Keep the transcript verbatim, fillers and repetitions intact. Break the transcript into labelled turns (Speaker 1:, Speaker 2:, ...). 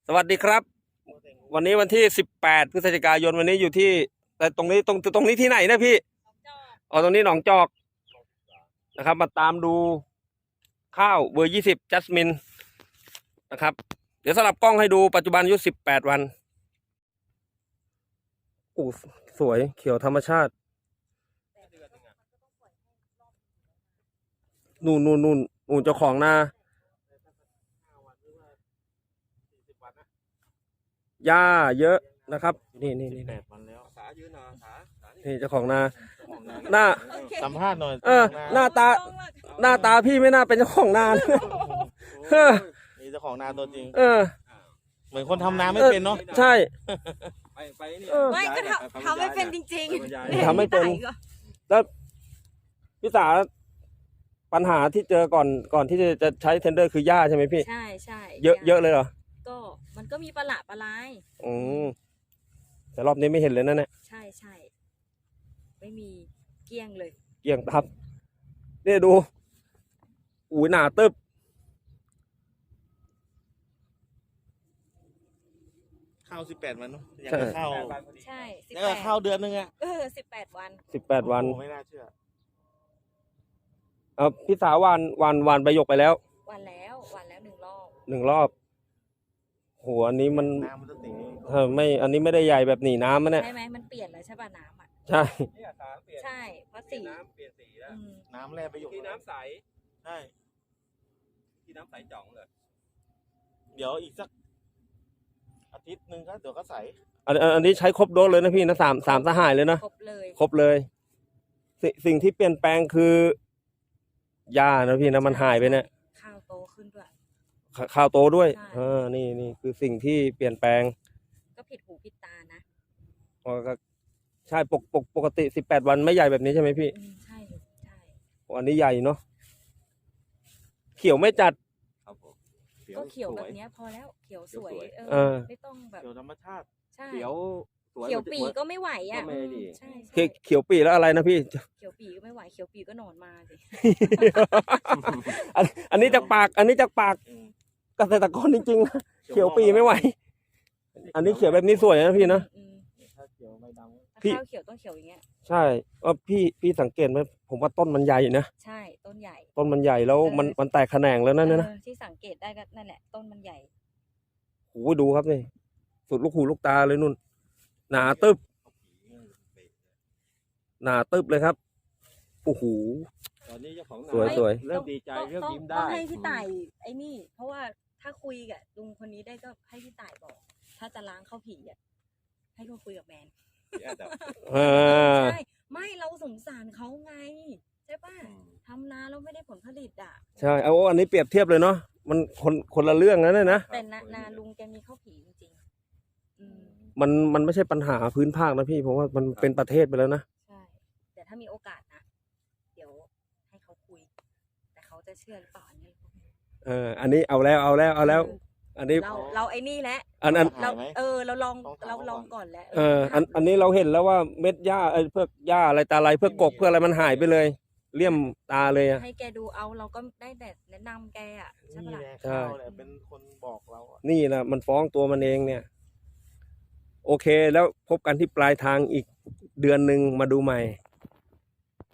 Speaker 1: สวัสดีครับวันนี้วันที่สิบแปดพฤศจิกายนวันนี้อยู่ที่แต่ตรงนี้ตรงตรงนี้ที่ไหนนะพี่อ๋อตรงนี้หนองจอกนะครับมาตามดูข้าวเบอร์ยี่สิบจัสมินนะครับเดี๋ยวสลับกล้องให้ดูปัจจุบันอายุสิบแปดวันโอ้สวยเขียวธรรมชาตินู่นนู่นนู่นนู่นเจ้าของนาหญ้าเยอะนะครับนี่นี่นี่
Speaker 2: แปดวันแล้ว
Speaker 3: ขายืนหน่อยขาขานี่
Speaker 1: นี่เจ้าของนาหน้า
Speaker 2: สัมภาษณ์หน่อย
Speaker 1: เออหน้าตาหน้าตาพี่ไม่น่าเป็นเจ้าของนาเลยเออ
Speaker 2: นี่เจ้าของนาตัวจริง
Speaker 1: เออ
Speaker 2: เหมือนคนทำนาไม่เป็นเนาะ
Speaker 1: ใช่
Speaker 3: ไปไปนี่
Speaker 1: เออ
Speaker 4: ไม่ก็ทำทำไม่เป็นจริง
Speaker 1: ทำไม่เป็น แล้วพี่สาปัญหาที่เจอก่อนก่อนที่จะจะใช้เทนเดอร์คือหญ้าใช่ไหมพี่
Speaker 4: ใช่ใช่
Speaker 1: เยอะเยอะเลยเหรอ
Speaker 4: ก็มันก็มีประหลาดประหลาย
Speaker 1: อืมแต่รอบนี้ไม่เห็นเลยนะเนี่ย
Speaker 4: ใช่ใช่ไม่มีเกลี้ยงเลย
Speaker 1: เกลี่ยงทับนี่ดูอุ้ยหนาตึบ
Speaker 2: ข้าวสิบแปดวันเนาะอยากจะเข้า
Speaker 4: ใช่สิบ
Speaker 2: แล้ว
Speaker 4: แป
Speaker 2: ก็
Speaker 4: ด
Speaker 2: เข้าเดือนนึงอะ
Speaker 4: เออสิบแปดวัน
Speaker 1: สิบแปดวัน
Speaker 2: โอ้โหไม่น่าเชื่อ
Speaker 1: เอาพี่สาวานวานวานใบหยกไปแล้ว
Speaker 4: วันแล้ววันแล้วหนึ่งรอบ
Speaker 1: หนึ่งรอบโหอันนี้มัน
Speaker 2: น้ำมันจะตี
Speaker 1: เออไม่อันนี้ไม่ได้ใหญ่แบบหนีน้ำมันเนี่ย
Speaker 4: ใช่ไหมมันเปลี่ยนแล้วใช่ป่ะน้ำอ่ะ
Speaker 1: ใช่
Speaker 3: เนี่ยสารเปลี่ยน
Speaker 4: ใช่เพราะสี
Speaker 3: น้ำเปลี่ยนสีแล้ว
Speaker 4: อืม
Speaker 2: น้ำแร่ไปอยู่
Speaker 3: ที่น้ำใส
Speaker 2: ใช่
Speaker 3: ที่น้ำใสจ่องเลย
Speaker 2: เดี๋ยวอีกสักอาทิตย์หนึ่งก็เดี๋ยวก็ใส
Speaker 1: อันอันอันนี้ใช้ครบโดสเลยนะพี่นะสามสามสหายเลยนะ
Speaker 4: ครบเลย
Speaker 1: ครบเลยสสิ่งที่เปลี่ยนแปลงคือหญ้านะพี่นะมันหายไปเนี่ย
Speaker 4: ข้าวโตขึ้นด้วย
Speaker 1: ขข้าวโตด้วย
Speaker 4: ใช่
Speaker 1: เออนี่นี่คือสิ่งที่เปลี่ยนแปลง
Speaker 4: ก็ผิดหูผิดตานะ
Speaker 1: อ๋อก็ใช่ปกปกปกติสิบแปดวันไม่ใหญ่แบบนี้ใช่ไหมพี่
Speaker 4: อืมใช่ใช่
Speaker 1: อันนี้ใหญ่เนาะเขียวไม่จัด
Speaker 3: ครับผม
Speaker 4: ก็เขียวแบบเนี้ยพอแล้วเขียวสวยเอ
Speaker 1: เอ
Speaker 4: อ
Speaker 1: อ
Speaker 4: ไม่ต้องแบบ
Speaker 2: เดี๋ยวธรรมชาติ
Speaker 4: ใช่
Speaker 3: เขียวสวย
Speaker 4: เขียวปีก็ไม่ไหวอ่ะ
Speaker 3: ก็ไม่ดี
Speaker 4: ใช่
Speaker 1: เขี
Speaker 4: ใช่
Speaker 1: ยวเขียวปีแล้วอะไรนะพี่
Speaker 4: เขียวปีก็ไม่ไหวเขียวปีก็นอนมาสิ
Speaker 1: อันอันนี้จากปาก อันนี้จากปาก
Speaker 2: อืม
Speaker 1: เกษตรกรจริงๆนะเขียวปีไม่ไหว อันนี้เขียวแบบนี้สวยนะพี่นะ
Speaker 4: อืม
Speaker 2: ถ้าเขียวไม่ด
Speaker 4: ถ้า
Speaker 1: พี่
Speaker 4: ข้าวเขียวต้องเขียวอย่างเงี้ย
Speaker 1: ใช่ว่าพี่พี่สังเกตไหมผมว่าต้นมันใหญ่นะ
Speaker 4: ใช่ต้นใหญ่
Speaker 1: ต้นมันใหญ่แล้วมันมันแตกแขนงแล้วนั่นนะ
Speaker 4: เออที่สังเกตได้ก็นั่นแหละต้นมันใหญ่
Speaker 1: โอ้โหดูครับนี่สุดลูกหูลูกตาเลยนุ่น หนาตึบหนาตึบเลยครับโอ้โห
Speaker 3: ตอนนี้เจ้าของนา
Speaker 1: สวยสวย
Speaker 3: เริ่มดีใจ
Speaker 4: ต้อง
Speaker 3: เริ่ม
Speaker 4: ต้อง
Speaker 3: ยิ้ม
Speaker 4: ต้
Speaker 3: ได้
Speaker 4: องให้พี่ต่ายไอ้นี่ เพราะว่าถ้าคุยกับลุงคนนี้ได้ก็ให้พี่ต่ายบอก ถ้าจะล้างเข้าผีอ่ะให้เขาคุยกับแมน
Speaker 1: เออ
Speaker 4: ใช่ไม่เราสงสารเขาไงใช่ป่ะทำนาเราไม่ได้ผลผลิตอ่ะ
Speaker 1: ใช่เอาอันนี้เปรียบเทียบเลยเนาะมันคนคนละเรื่องนะเนี่ยนะ
Speaker 4: แต่นานาลุงแกมีข้าวผีจริงๆอืม
Speaker 1: มันมันไม่ใช่ปัญหาพื้นภาคนะพี่ผมว่ามันเป็นประเทศไปแล้วนะ
Speaker 4: ใช่ แต่ถ้ามีโอกาสนะ เดี๋ยวให้เขาคุย แต่เขาจะเชื่อหรือเปล่าอันนี้
Speaker 1: เอออันนี้เอาแล้วเอาแล้วเอาแล้ว อันนี้
Speaker 4: เราเราไอ้นี่แหละ
Speaker 1: อันอัน
Speaker 4: เราเออเราลองเราลองก่อนแล้ว
Speaker 1: เอออันอันนี้เราเห็นแล้วว่าเม็ดหญ้าไอ้เพื่อหญ้าอะไรตาอะไรเพื่อกบเพื่ออะไรมันหายไปเลยเลี่ยมตาเลยอะ
Speaker 4: ให้แกดูเอาเราก็ได้แต่แนะนำแกอ่ะ
Speaker 2: ำ
Speaker 4: ใช่
Speaker 2: นี่
Speaker 4: ปะ
Speaker 2: แห
Speaker 4: ล่ะ
Speaker 2: ละข้าวแหละเป็นคนบอกเราอะ
Speaker 1: นี่แหละมันฟ้องตัวมันเองเนี่ย โอเคแล้วพบกันที่ปลายทางอีกเดือนหนึ่งมาดูใหม่